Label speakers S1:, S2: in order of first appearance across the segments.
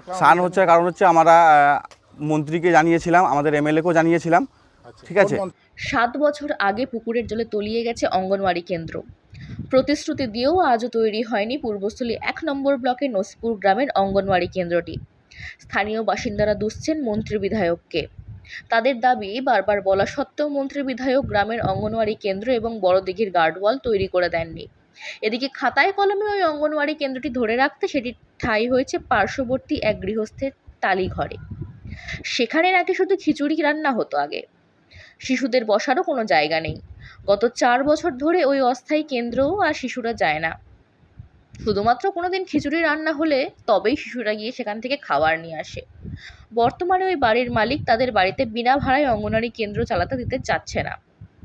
S1: সান হচ্ছে কারণ হচ্ছে আমরা মন্ত্রীকে জানিয়েছিলাম, আমাদের এমএলএকেও জানিয়েছিলাম। ঠিক আছে।
S2: 7 বছর আগে পুকুরের জলে তলিয়ে গেছে অঙ্গনওয়াড়ি কেন্দ্র। প্রতিশ্রুতি দিয়েও আজও তৈরি হয়নি পূর্বস্থলী 1 নম্বর ব্লকের নসিপুর গ্রামের অঙ্গনওয়াড়ি কেন্দ্রটি। স্থানীয় বাসিন্দারা দুষছেন মন্ত্রী বিধায়ককে। তাদের দাবি, বারবার বলা সত্ত্বেও মন্ত্রী বিধায়ক গ্রামের অঙ্গনওয়াড়ি কেন্দ্র এবং বড়দিঘির গার্ডওয়াল তৈরি করে দেননি। এদিকে খাতায় কলমে ওই অঙ্গনওয়াড়ি কেন্দ্রটি ধরে রাখতে সেটি ঠাঁই হয়েছে পার্শ্ববর্তী এক গৃহস্থের টালিঘরে। সেখানে নাকি শুধু খিচুড়ি রান্না হতো আগে, শিশুদের বসারও কোনো জায়গা নেই। গত 4 বছর ধরে ওই অস্থায়ী কেন্দ্রও আর শিশুরা যায় না। শুধুমাত্র কোনোদিন খিচুড়ি রান্না হলে তবেই শিশুরা গিয়ে সেখান থেকে খাবার নিয়ে আসে। বর্তমানে ওই বাড়ির মালিক তাদের বাড়িতে বিনা ভাড়ায় অঙ্গনওয়াড়ি কেন্দ্র চালাতে দিতে চাচ্ছে না।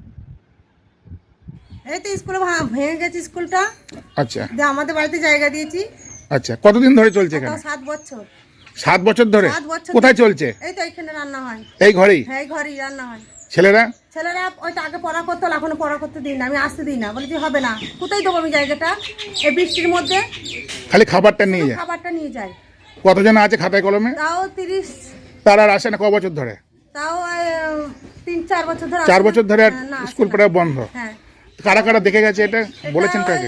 S3: এই তো স্কুলে ভেঙে গেছে স্কুলটা।
S4: আচ্ছা,
S3: যে আমাদের বাড়িতে জায়গা দিয়েছি।
S4: আচ্ছা, কতদিন ধরে চলছে এখানে?
S3: 7 বছর।
S4: 7 বছর ধরে
S3: 7 বছর।
S4: কোথায় চলছে?
S3: এই তো এখানে রান্না হয়।
S4: এই ঘরেই?
S3: হ্যাঁ, এই ঘরেই রান্না হয়।
S4: ছেলেরা
S3: ওইটা আগে পড়া করতো, এখনো পড়া করতে দিই না, আমি আসতে দিই না, বলি যে হবে না, কোথায় দেবো আমি জায়গাটা এই বৃষ্টির মধ্যে?
S4: খালি খাবারটা নিয়ে যায়?
S3: খাবারটা নিয়ে যায়।
S4: কতজন আছে খাতায় কলমে?
S3: তাও 30।
S4: তারা আর আসে না? ক বছর ধরে?
S3: তাও 3-4 বছর ধরে।
S4: 4 বছর ধরে আর
S3: না,
S4: স্কুল পড়া বন্ধ?
S3: হ্যাঁ।
S4: কারা কারা দেখে গেছে এটা বলেছেন কাকে?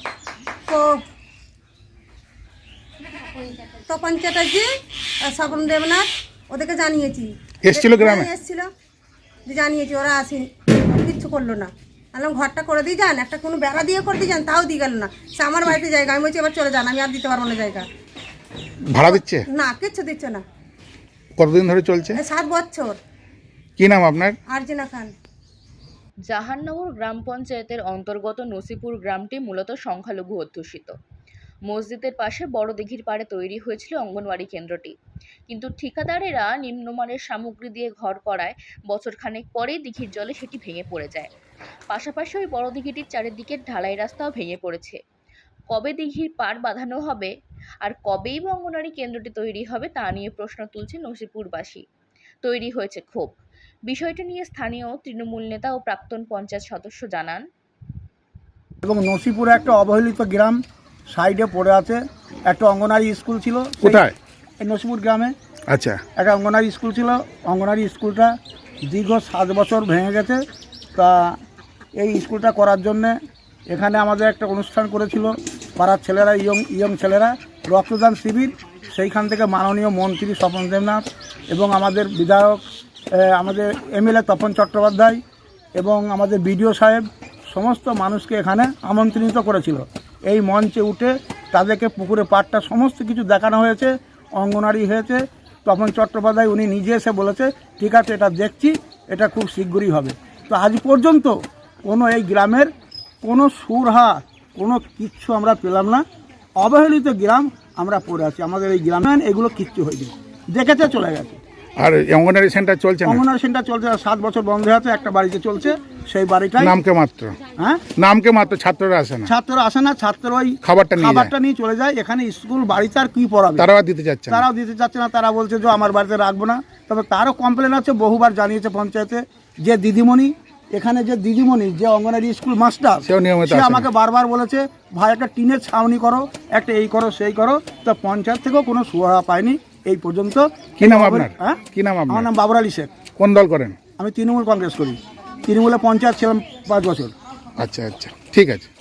S3: তপন চ্যাটার্জি আর স্বপন দেবনাথ, ওদেরকে জানিয়েছি।
S4: এসছিল গ্রামে?
S3: এসছিল, যে জানিয়েছি, ওরা আসেনি, কিচ্ছু করলো না। আলাম ঘরটা করে দিয়ে যান, একটা কোনো বেড়া দিয়ে করে দিয়ে যান, তাও দিয়ে গেল না। সে আমার বাড়িতে জায়গা, আমি বলছি এবার চলে যান, আমি আর দিতে পারবো না জায়গা।
S4: ভাড়া দিচ্ছে
S3: না, কিচ্ছু দিচ্ছে না।
S4: কতদিন ধরে চলছে?
S3: 7 বছর।
S4: কি নাম আপনার?
S3: আরজিনা খান।
S2: জাহাননগর গ্রাম পঞ্চায়েতের অন্তর্গত নসিপুর গ্রামটি মূলত সংখ্যালঘু অধ্যুষিত। মসজিদের পাশে বড় দিঘির পাড়ে তৈরি হয়েছিল অঙ্গনওয়াড়ি কেন্দ্রটি, কিন্তু ঠিকাদারেরা নিম্নমানের সামগ্রী দিয়ে ঘর করায় বছরখানেক পরেই দিঘির জলে সেটি ভেঙে পড়ে যায়। পাশাপাশি ওই বড় দিঘিটির চারিদিকের ঢালাই রাস্তাও ভেঙে পড়েছে। কবে দিঘির পাড় বাঁধানো হবে আর কবেই বা অঙ্গনওয়াড়ি কেন্দ্রটি তৈরি হবে তা নিয়ে প্রশ্ন তুলছে নসিপুরবাসী। তৈরি হয়েছে ক্ষোভ। বিষয়টি নিয়ে স্থানীয় তৃণমূল নেতা ও প্রাক্তন পঞ্চায়েত সদস্য জানান,
S5: এবং নসিপুরে একটা অবহেলিত গ্রাম সাইডে পড়ে আছে। একটা অঙ্গনওয়াড়ি স্কুল ছিল।
S4: কোথায়?
S5: এই নসিপুর গ্রামে।
S4: আচ্ছা,
S5: একটা অঙ্গনওয়াড়ি স্কুল ছিল। অঙ্গনওয়াড়ি স্কুলটা দীর্ঘ 7 বছর ভেঙে গেছে। তা এই স্কুলটা করার জন্যে এখানে আমাদের একটা অনুষ্ঠান করেছিল পাড়ার ছেলেরা, ইয়ং ছেলেরা, রক্তদান শিবির। সেইখান থেকে মাননীয় মন্ত্রী স্বপন দেবনাথ এবং আমাদের বিধায়ক, আমাদের এমএলএ তপন চট্টোপাধ্যায় এবং আমাদের বিডিও সাহেব সমস্ত মানুষকে এখানে আমন্ত্রিত করেছিল। এই মঞ্চে উঠে তাদেরকে পুকুরে পাড়টা সমস্ত কিছু দেখানো হয়েছে, অঙ্গনওয়াড়ি হয়েছে। তপন চট্টোপাধ্যায় উনি নিজে এসে বলেছে, ঠিক আছে, এটা দেখছি, এটা খুব শীঘ্রই হবে। তো আজ পর্যন্ত কোনো এই গ্রামের কোনো সুরহা, কোনো কিচ্ছু আমরা পেলাম না। অবহেলিত গ্রাম আমরা পড়ে আছি। আমাদের এই গ্রামে এগুলো কিচ্ছু হয়নি, দেখেছে চলে গেছে।
S4: আর অঙ্গনওয়াড়ি সেন্টার চলছে না?
S5: অঙ্গনওয়াড়ি সেন্টার চলছে 7 বছর বন্ধ আছে। একটা বাড়িতে চলছে, সেই বাড়িটাই
S4: নামকে মাত্র।
S5: হ্যাঁ,
S4: নামকে মাত্র, ছাত্ররা আসে না?
S5: ছাত্ররা আসে না, ছাত্ররা ওই
S4: খাবারটা
S5: নিয়ে চলে যায়। এখানে স্কুল বাড়িতে আর কি পড়াবে?
S4: তারাও দিতে যাচ্ছে না?
S5: তারাও দিতে চাচ্ছে না। তারা বলছে যে আমার বাড়িতে রাখবো না। তবে তারও কমপ্লেন আছে, বহুবার জানিয়েছে পঞ্চায়েতে। যে দিদিমণি, এখানে যে দিদিমণি, যে অঙ্গনওয়াড়ি স্কুল মাস্টার, সে আমাকে বারবার বলেছে, ভাই একটা টিনের ছাউনি করো, একটা এই করো সেই করো। তো পঞ্চায়েত থেকেও কোনো সুরাহা পাইনি এই পর্যন্ত।
S4: কি নাম আপনার?
S5: হ্যাঁ,
S4: কি নাম আপনার?
S5: আমার নাম বাবর আলী শেখ।
S4: কোন দল করেন?
S5: আমি তৃণমূল কংগ্রেস করি। তৃণমূলে পঞ্চায়েত ছিলাম 5 বছর।
S4: আচ্ছা আচ্ছা, ঠিক আছে।